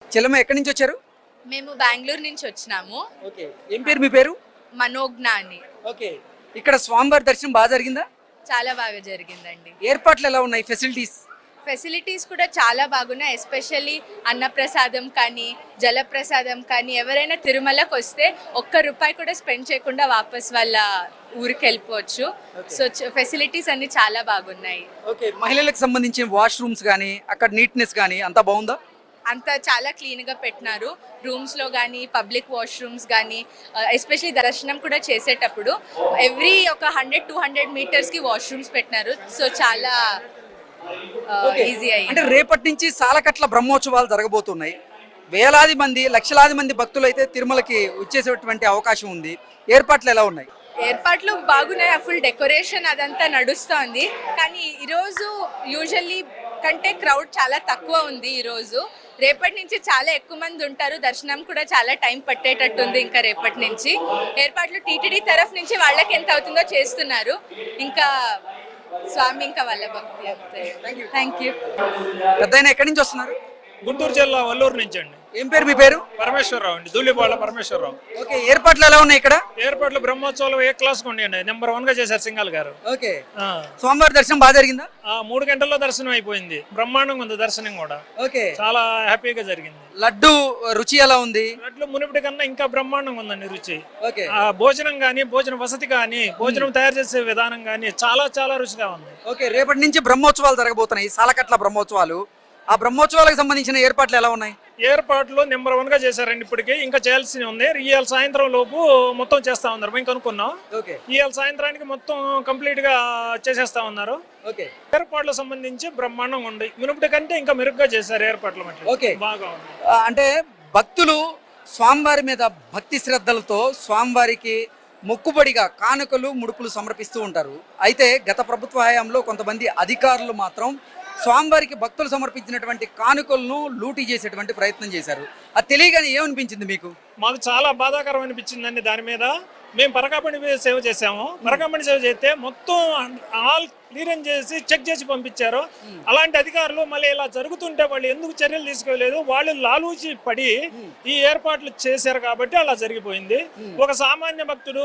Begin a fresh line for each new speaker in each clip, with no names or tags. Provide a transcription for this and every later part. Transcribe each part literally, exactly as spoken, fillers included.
చెల్లమ్మ ఎక్కడి నుంచి వచ్చారు?
మేము బెంగళూరు నుంచి వచ్చినాము.
ఓకే. ఏం పేరు మీ పేరు?
మనోజ్ఞ అని.
ఓకే. ఇక్కడ స్వామివారి దర్శనం బాగా జరిగిందా?
చాలా బాగా జరిగిందండి.
ఏర్పాట్లు ఎలా ఉన్నాయి? ఫెసిలిటీస్
ఫెసిలిటీస్ కూడా చాలా బాగున్నాయి. ఎస్పెషల్లీ అన్నప్రసాదం కానీ జలప్రసాదం కానీ ఎవరైనా తిరుమలకు వస్తే ఒక్క రూపాయి కూడా స్పెండ్ చేయకుండా వాపస్ వాళ్ళ ఊరికి వెళ్ళిపోవచ్చు. సో ఫెసిలిటీస్ అన్ని చాలా బాగున్నాయి.
ఓకే. మహిళలకు సంబంధించిన వాష్రూమ్స్ కానీ అక్కడ నీట్నెస్ కానీ అంతా బాగుందా?
అంతా చాలా క్లీన్గా పెట్టినారు. రూమ్స్లో కానీ పబ్లిక్ వాష్రూమ్స్ కానీ ఎస్పెషలీ దర్శనం కూడా చేసేటప్పుడు ఎవ్రీ ఒక హండ్రెడ్ టూ హండ్రెడ్ మీటర్స్కి వాష్రూమ్స్ పెట్టినారు. సో చాలా ఈజీ అయ్యింది.
అంటే రేపటి నుంచి సాలకట్ల బ్రహ్మోత్సవాలు జరగబోతున్నాయి. వేలాది మంది లక్షలాది మంది భక్తులు అయితే తిరుమలకి వచ్చేసేటువంటి అవకాశం ఉంది. ఏర్పాట్లు ఎలా ఉన్నాయి?
ఏర్పాట్లు బాగున్నాయి. ఫుల్ డెకరేషన్ అదంతా నడుస్తోంది. కానీ ఈరోజు యూజువల్లీ కంటే క్రౌడ్ చాలా తక్కువ ఉంది. ఈరోజు రేపటి నుంచి చాలా ఎక్కువ మంది ఉంటారు. దర్శనం కూడా చాలా టైం పట్టేటట్టుంది. ఇంకా రేపటి నుంచి ఏర్పాట్లు టీటీడీ తరఫు నుంచి వాళ్ళకి ఎంత అవుతుందో చేస్తున్నారు. ఇంకా స్వామి ఇంకా వాళ్ళ భక్తి అంతే. Thank you.
పెద్దయినా ఎక్కడి నుంచి వస్తున్నారు?
గుంటూరు జిల్లా వల్లూరు నుంచి అండి.
ఏం పేరు మీ పేరు?
పరమేశ్వరరావు అండి, దూలిపాళ్ళ పరమేశ్వరరావు.
ఓకే. ఏర్పాట్లు ఎలా ఉన్నాయి ఇక్కడ?
ఏర్పాట్లు బ్రహ్మోత్సవాలు ఏ క్లాస్ ఉండండి, నెంబర్ వన్ గా చేశారు సింగాల్ గారు.
ఓకే. స్వామివారి దర్శనం బాగా జరిగిందా?
ఆ మూడు గంటల్లో దర్శనం అయిపోయింది. బ్రహ్మాండంగా ఉంది దర్శనం కూడా.
ఓకే.
చాలా హ్యాపీగా జరిగింది.
లడ్డు రుచి ఎలా ఉంది?
లడ్లు మునిపటి కన్నా ఇంకా బ్రహ్మాండంగా ఉందండి రుచి.
ఓకే.
ఆ భోజనం గానీ, భోజన వసతి కానీ, భోజనం తయారు చేసే విధానం కానీ చాలా చాలా రుచిగా ఉంది.
ఓకే. రేపటి నుంచి బ్రహ్మోత్సవాలు జరగబోతున్నాయి, సాలకట్ల బ్రహ్మోత్సవాలు. ఆ బ్రహ్మోత్సవాలకు సంబంధించిన ఏర్పాట్లు ఎలా ఉన్నాయి?
ఏర్పాట్లు నెంబర్ వన్ గా చేశారండి. ఇప్పటికి ఇంకా చేయాల్సి ఉంది. ఇవాళ సాయంత్రం లోపు మొత్తం చేస్తా ఉన్నారు. మేము కనుక్కున్నాం.
ఓకే.
ఇవాళ సాయంత్రానికి మొత్తం కంప్లీట్ గా చేసేస్తా ఉన్నారు.
ఓకే.
ఏర్పాట్లకు సంబంధించి బ్రహ్మాండంగా ఉంది. మునుపటి కంటే ఇంకా మెరుగ్గా చేశారు ఏర్పాట్లు.
ఓకే.
బాగా ఉంది.
అంటే భక్తులు స్వామివారి మీద భక్తి శ్రద్ధలతో స్వామివారికి మొక్కుబడిగా కానుకలు ముడుపులు సమర్పిస్తూ ఉంటారు. అయితే గత ప్రభుత్వ హయాంలో కొంతమంది అధికారులు మాత్రం స్వామివారికి భక్తులు సమర్పించినటువంటి కానుకలను లూటీ చేసేటువంటి ప్రయత్నం చేశారు. అది తెలియగానే ఏమనిపించింది మీకు?
మాకు చాలా బాధాకరం అనిపించిందండి. దాని మీద మేము పరకాపణి సేవ చేసాము. పరకాపణి సేవ చేస్తే మొత్తం ఆల్ క్లియరెన్స్ చేసి చెక్ చేసి పంపించారు. అలాంటి అధికారులు మళ్ళీ ఇలా జరుగుతుంటే వాళ్ళు ఎందుకు చర్యలు తీసుకోలేదు? వాళ్ళు లాలూచి పడి ఈ ఏర్పాట్లు చేశారు కాబట్టి అలా జరిగిపోయింది. ఒక సామాన్య భక్తుడు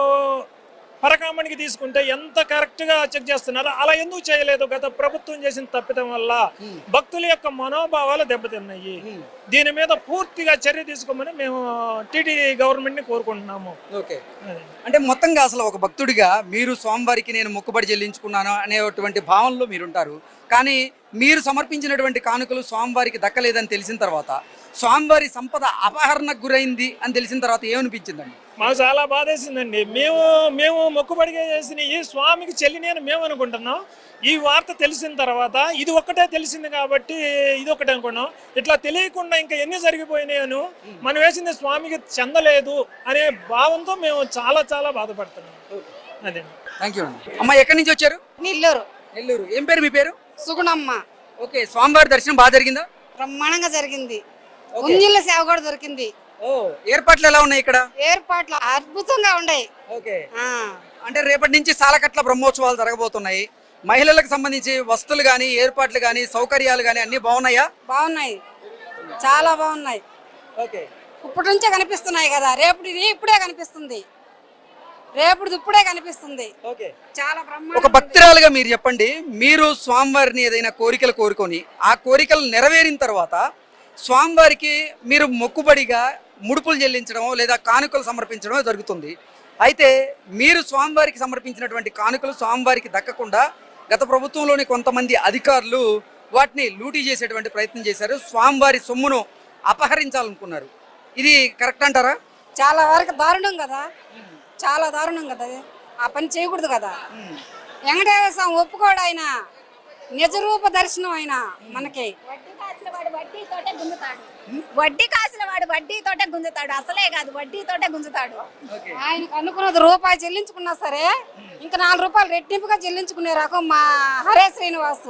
పరకామణికి తీసుకుంటే ఎంత కరెక్ట్ గా చెక్ చేస్తున్నారో అలా ఎందుకు చేయలేదు? గత ప్రభుత్వం చేసిన తప్పిదం వల్ల భక్తుల యొక్క మనోభావాలు దెబ్బతిన్నాయి. దీని మీద పూర్తిగా చర్య తీసుకోమని మేము టీటీడీ గవర్నమెంట్ ని కోరుకుంటున్నాము.
ఓకే. అంటే మొత్తంగా అసలు ఒక భక్తుడిగా మీరు స్వామివారికి నేను మొక్కుబడి చెల్లించుకున్నాను అనేటువంటి భావనలో మీరుంటారు. కానీ మీరు సమర్పించినటువంటి కానుకలు స్వామివారికి దక్కలేదని తెలిసిన తర్వాత, స్వామివారి సంపద అపహరణకు గురైంది అని తెలిసిన తర్వాత ఏమనిపించిందండి?
మాకు చాలా బాధేసిందండి. మేము మేము మొక్కుబడిగా చేసిన ఈ స్వామికి చెల్లిని అని మేము అనుకుంటున్నాం. ఈ వార్త తెలిసిన తర్వాత ఇది ఒక్కటే తెలిసింది కాబట్టి ఇది ఒకటే అనుకున్నాం. ఇట్లా తెలియకుండా ఇంకా ఎన్ని జరిగిపోయినాయను మనం వేసింది స్వామికి చెందలేదు అనే భావంతో మేము చాలా చాలా బాధపడుతున్నాం. అదే.
Thank you. అమ్మ ఎక్కడి నుంచి వచ్చారు?
నెల్లూరు.
నెల్లూరు. ఏం పేరు మీ పేరు?
సుగుణమ్మ.
ఓకే. స్వామివారి దర్శనం బాగా జరిగిందా?
బ్రహ్మాండంగా జరిగింది. ఉంజిళ్ళ సేవ కూడా దొరికింది.
ఓ, ఏర్పాట్లు ఎలా ఉన్నాయి ఇక్కడ?
ఏర్పాట్లు అద్భుతంగా ఉన్నాయి.
ఓకే. అంటే రేపటి నుంచి సాలకట్ల బ్రహ్మోత్సవాలు జరగబోతున్నాయి. మహిళలకు సంబంధించి వస్తువులు కానీ, ఏర్పాట్లు కానీ, సౌకర్యాలు కానీ అన్ని బాగున్నాయా?
బాగున్నాయి, చాలా బాగున్నాయి.
ఓకే.
ఇప్పటి నుంచే కనిపిస్తున్నాయి కదా, రేపు ఇప్పుడే కనిపిస్తుంది, రేపు ఇప్పుడే కనిపిస్తుంది.
ఓకే.
చాలా బ్రహ్మాండంగా.
ఒక భక్తురాలుగా మీరు చెప్పండి, మీరు స్వామివారిని ఏదైనా కోరికలు కోరుకొని ఆ కోరికలు నెరవేరిన తర్వాత స్వామివారికి మీరు మొక్కుబడిగా ముడుపులు చెల్లించడం లేదా కానుకలు సమర్పించడం జరుగుతుంది. అయితే మీరు స్వామివారికి సమర్పించినటువంటి కానుకలు స్వామివారికి దక్కకుండా గత ప్రభుత్వంలోని కొంతమంది అధికారులు వాటిని లూటీ చేసేటువంటి ప్రయత్నం చేశారు. స్వామివారి సొమ్మును అపహరించాలనుకున్నారు. ఇది కరెక్ట్ అంటారా?
చాలా వరకు దారుణం కదా, చాలా దారుణం కదా. ఆ పని చేయకూడదు కదా. వెంకటేశ్వర స్వామి ఒప్పుకోడు. ఆయన నిజరూప దర్శనం. ఆయన మనకి
వడ్డీ కాసిన వాడు వడ్డీతోటే గుంజుతాడు. వడ్డీ కాసిన వాడు వడ్డీతోటే గుంజుతాడు. అసలే కాదు, వడ్డీతోటే గుంజుతాడు.
ఆయనకు అనుకున్నది రూపాయి చెల్లించుకున్నా సరే ఇంకా నాలుగు రూపాయలు రెట్టింపుగా చెల్లించుకునే రకం మా హరే శ్రీనివాసు.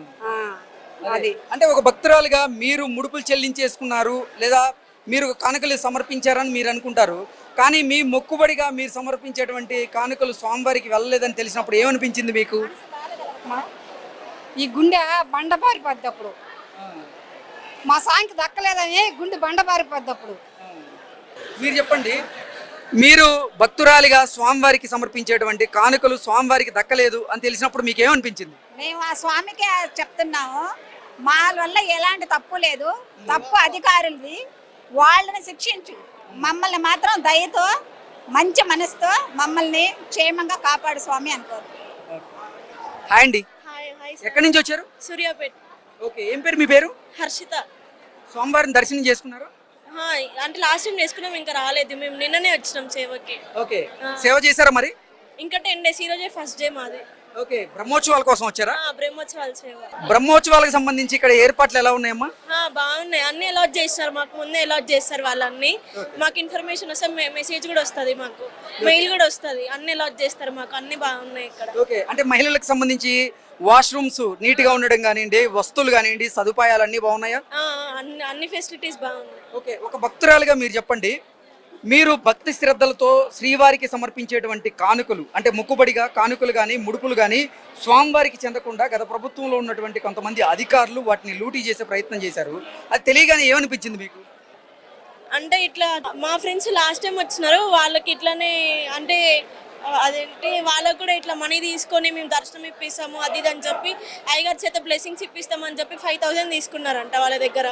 అది అంటే ఒక భక్తురాలుగా మీరు ముడుపులు చెల్లించేసుకున్నారు లేదా మీరు కానుకలు సమర్పించారని మీరు అనుకుంటారు. కానీ మీ మొక్కుబడిగా మీరు సమర్పించేటువంటి కానుకలు స్వామివారికి వెళ్ళలేదని తెలిసినప్పుడు ఏమనిపించింది మీకు?
ఈ గుండె బండ పారిపోద్ది. అప్పుడు మా సాంకి దక్కలేదని గుండె బండ పారిపోద్ది అప్పుడు.
మీరు చెప్పండి, మీరు భక్తురాలిగా స్వామివారికి సమర్పించేటువంటి కానుకలు స్వామివారికి దక్కలేదు అని తెలిసినప్పుడు మీకు ఏమనిపించింది?
మేము ఆ స్వామికే చెప్తున్నాము, మా వల్ల ఎలాంటి తప్పు లేదు, తప్పు అధికారులది, వాళ్ళని శిక్షించు, మమ్మల్ని మాత్రం దయతో మంచి మనసుతో మమ్మల్ని క్షేమంగా కాపాడు స్వామి అనుకోరు.
హాయ్ అండి,
హాయ్ హాయ్
ఎక్కడి నుంచి వచ్చారు?
సూర్యాపేట్.
ఓకే, ఏం పేరు మీ పేరు?
హర్షిత.
స్వామివారిని దర్శనం చేసుకున్నారు?
హా, అంటే లాస్ట్ టైం చేసుకున్నాం, ఇంకా రాలేదు, మేము నిన్ననే వచ్చినాం సేవకి.
ఓకే, సేవ చేశారా మరి?
ఇంకా టెన్ డేస్, ఈ రోజే ఫస్ట్ డే మాది.
ఓకే, బ్రహ్మోత్సవాల కోసం వచ్చారా?
ఆ, బ్రహ్మోత్సవాల సేవ.
బ్రహ్మోత్సవాలకు సంబంధించి ఇక్కడ ఏర్పాట్లు ఎలా ఉన్నాయమ్మా?
ఆ, బాగున్నాయి, అన్ని అలాట్ చేస్తారు మాకు, ముందే అలాట్ చేస్తారు వాళ్ళన్ని. మాకు ఇన్ఫర్మేషన్ వస్తే మెసేజ్ కూడా వస్తుంది, మాకు మెయిల్ కూడా వస్తుంది, అన్ని అలాట్ చేస్తారు మాకు, అన్ని బాగున్నాయి ఇక్కడ.
ఓకే, అంటే మహిళలకు సంబంధించి వాష్రూమ్స్ నీట్ గా ఉండడం కానివ్వండి, వస్తువులు కానివ్వండి, సదుపాయాలు అన్ని బాగున్నాయా?
ఆ, అన్ని అన్ని ఫెసిలిటీస్ బాగున్నాయి.
ఓకే, ఒక భక్తురాలుగా మీరు చెప్పండి, మీరు భక్తి శ్రద్ధలతో శ్రీవారికి సమర్పించేటువంటి కానుకలు అంటే మొక్కుబడిగా కానుకలు కానీ ముడుపులు కానీ స్వామివారికి చెందకుండా గత ప్రభుత్వంలో ఉన్నటువంటి కొంతమంది అధికారులు వాటిని లూటీ చేసే ప్రయత్నం చేశారు. అది తెలియగానే ఏమనిపించింది మీకు?
అంటే ఇట్లా మా ఫ్రెండ్స్ లాస్ట్ టైం వచ్చినారు, వాళ్ళకి ఇట్లానే అంటే ఆ, అదేంటి వాళ్ళకు కూడా ఇట్లా మనీ తీసుకొని మేము దర్శనం ఇప్పిస్తాము అది ఇది అని చెప్పి అయ్యగారి చేత బ్లెస్సింగ్స్ ఇప్పిస్తామని చెప్పి ఫైవ్ థౌసండ్ తీసుకున్నారంట వాళ్ళ దగ్గర.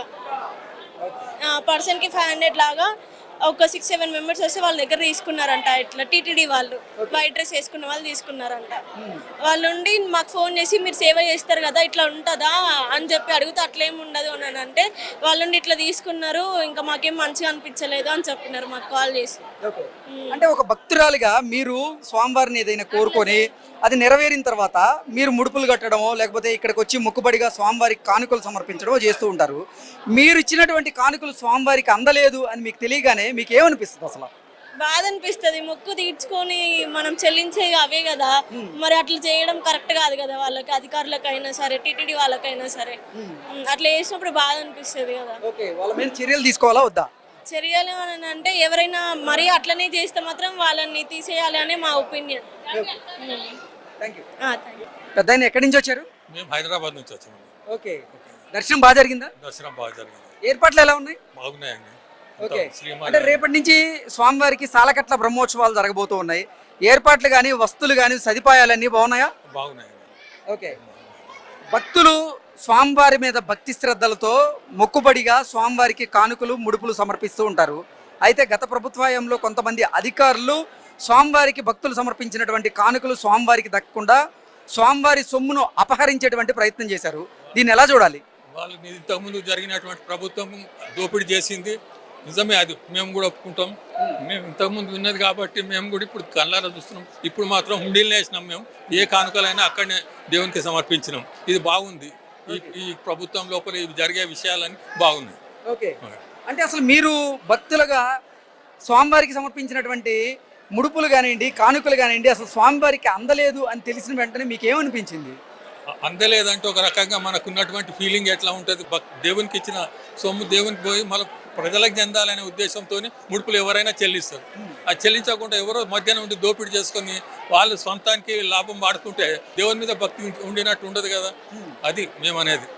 పర్సన్కి ఫైవ్ హండ్రెడ్ లాగా ఒక సిక్స్ సెవెన్ మెంబర్స్ వస్తే వాళ్ళ దగ్గర తీసుకున్నారంట. ఇట్లా టీటీడీ వాళ్ళు వైట్ డ్రెస్ వేసుకున్న వాళ్ళు తీసుకున్నారంట. వాళ్ళు ఉండి మాకు ఫోన్ చేసి మీరు సేవ చేస్తారు కదా ఇట్లా ఉంటుందా అని చెప్పి అడిగితే అట్లేం ఉండదు అని అంటే వాళ్ళుండి ఇట్లా తీసుకున్నారు, ఇంకా మాకేం మంచిగా అనిపించలేదు అని చెప్పినారు మాకు కాల్ చేసి.
అంటే ఒక భక్తురాలిగా మీరు స్వామివారిని ఏదైనా కోరుకొని అది నెరవేరిన తర్వాత మీరు ముడుపులు కట్టడమో లేకపోతే ఇక్కడికి వచ్చి మొక్కుబడిగా స్వామివారికి కానుకలు సమర్పించడమో చేస్తూ ఉంటారు. మీరు ఇచ్చినటువంటి కానుకలు స్వామివారికి అందలేదు అని మీకు తెలియగానే మీకు ఏమనిపిస్తుంది? అసలు
బాధ అనిపిస్తుంది, మొక్కు తీర్చుకొని మనం చెల్లించే అవే కదా, మరి అట్లా చేయడం కరెక్ట్ కాదు కదా, వాళ్ళకి అధికారులకైనా సరే టీటీడీ వాళ్ళకైనా సరే అట్లా చేసినప్పుడు బాధ అనిపిస్తుంది కదా.
ఓకే, వాళ్ళ మీద చర్యలు తీసుకోవాలా వద్దా?
చర్యలు అని అంటే ఎవరైనా మరీ అట్లనే చేస్తే మాత్రం వాళ్ళని తీసేయాలి అనే మా ఒపీనియన్.
పెద్ద ఆయన ఎక్కడి నుంచి వచ్చారు?
మేము హైదరాబాద్ నుంచి వచ్చాము.
ఓకే, దర్శనం బాగా జరిగిందా?
దర్శనం బాగా జరిగింది.
ఏర్పాట్లు ఎలా ఉన్నాయి?
బాగున్నాయండి.
ఓకే,
శ్రీమాన్
అంటే రేపటి నుంచి స్వామివారికి సాలకట్ల బ్రహ్మోత్సవాలు జరగబోతూ ఉన్నాయి. ఏర్పాట్లు కానీ వస్తువులు కానీ సదుపాయాలన్నీ బాగున్నాయా?
బాగున్నాయండి.
ఓకే, భక్తులు స్వామివారి మీద భక్తి శ్రద్ధలతో మొక్కుబడిగా స్వామివారికి కానుకలు ముడుపులు సమర్పిస్తూ ఉంటారు. అయితే గత ప్రభుత్వంలో కొంతమంది అధికారులు స్వామివారికి భక్తులు సమర్పించినటువంటి కానుకలు స్వామివారికి దక్కకుండా స్వామివారి సొమ్మును అపహరించేటువంటి ప్రయత్నం చేశారు. దీన్ని ఎలా చూడాలి?
వాళ్ళు ఇంతకుముందు జరిగినటువంటి ప్రభుత్వం దోపిడీ చేసింది నిజమే, అది మేము కూడా ఒప్పుకుంటాం. మేము ఇంతకుముందు ఉన్నది కాబట్టి మేము కూడా ఇప్పుడు కళ్ళారా చూస్తున్నాం. ఇప్పుడు మాత్రం హుండీలు వేసినాం, మేము ఏ కానుకలైనా అక్కడనే దేవునికి సమర్పించినాం. ఇది బాగుంది. ఈ ఈ ప్రభుత్వం లోపల ఇవి జరిగే విషయాలన్నీ బాగున్నాయి.
ఓకే, అంటే అసలు మీరు భక్తులుగా స్వామివారికి సమర్పించినటువంటి ముడుపులు కానివ్వండి కానుకలు కానివ్వండి అసలు స్వామివారికి అందలేదు అని తెలిసిన వెంటనే మీకు ఏమనిపించింది?
అందలేదంటే ఒక రకంగా మనకు ఉన్నటువంటి ఫీలింగ్ ఎట్లా ఉంటుంది, దేవునికి ఇచ్చిన సొమ్ము దేవునికి పోయి మళ్ళీ ప్రజలకు చెందాలనే ఉద్దేశంతో ముడుపులు ఎవరైనా చెల్లిస్తారు. అది చెల్లించకుండా ఎవరో మధ్యాహ్నం ఉండి దోపిడీ చేసుకొని వాళ్ళు సొంతానికి లాభం వాడుకుంటే దేవుని మీద భక్తి ఉండినట్టు ఉండదు కదా. అది మేము అనేది.